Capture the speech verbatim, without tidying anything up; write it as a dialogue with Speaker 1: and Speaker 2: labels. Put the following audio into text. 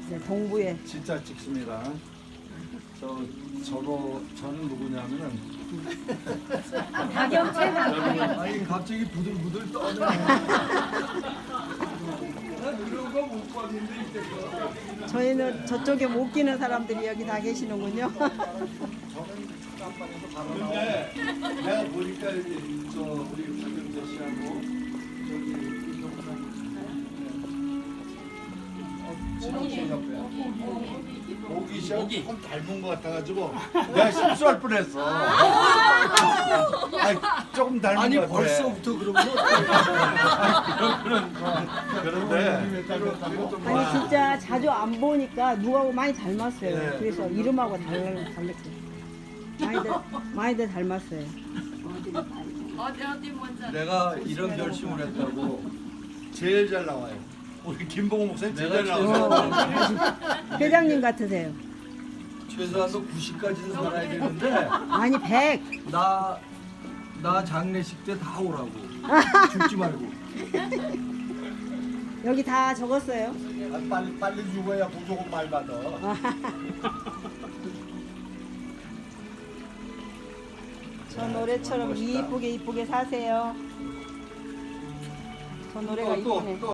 Speaker 1: 이제 동부에.
Speaker 2: 진짜 찍습니다. 저 저거 저는 누구냐면은
Speaker 1: 박영채가
Speaker 2: 아니 갑자기 부들부들 떠네. 난 이런 거 못 봤는데 이때껏.
Speaker 1: 저희는 저쪽에 못 끼는 사람들이 여기 다 계시는군요.
Speaker 2: 저는 깜빡해서 바로 나오는데 내가 보니까 여기 저 우리 박영재 씨하고 저기 이동산 진영 씨 옆에 오기 씨하고 조금 닮은 것 같아가지고 내가 실수할 뻔했어. 아니, 조금 닮은
Speaker 3: 아니
Speaker 2: 것 같아.
Speaker 3: 벌써부터 그러면
Speaker 2: 그런 그런데
Speaker 1: 아니 진짜 자주 안 보니까 누구하고 많이 닮았어요.
Speaker 2: 네.
Speaker 1: 그래서 이름하고 달, 달랐어요. 많이들 많이들 닮았어요.
Speaker 4: 어디 어디 먼저.
Speaker 3: 내가 이런 결심을 했다고
Speaker 2: 제일 잘 나와요. 우리 김봉호 목사님 제일
Speaker 3: 내가
Speaker 2: 잘
Speaker 3: 제일
Speaker 2: 나와요.
Speaker 1: 회장님 같으세요.
Speaker 3: 최소한도 구십까지는 살아야 되는데
Speaker 1: 아니 백.
Speaker 3: 나, 나 장례식 때 다 오라고 죽지 말고.
Speaker 1: 여기 다 적었어요.
Speaker 2: 아, 빨리 빨리 죽어야 무조건 말 받아.
Speaker 1: 저 노래처럼 이쁘게 이쁘게 사세요. 저 노래가
Speaker 3: 또, 또,
Speaker 1: 이쁘네.
Speaker 3: 또.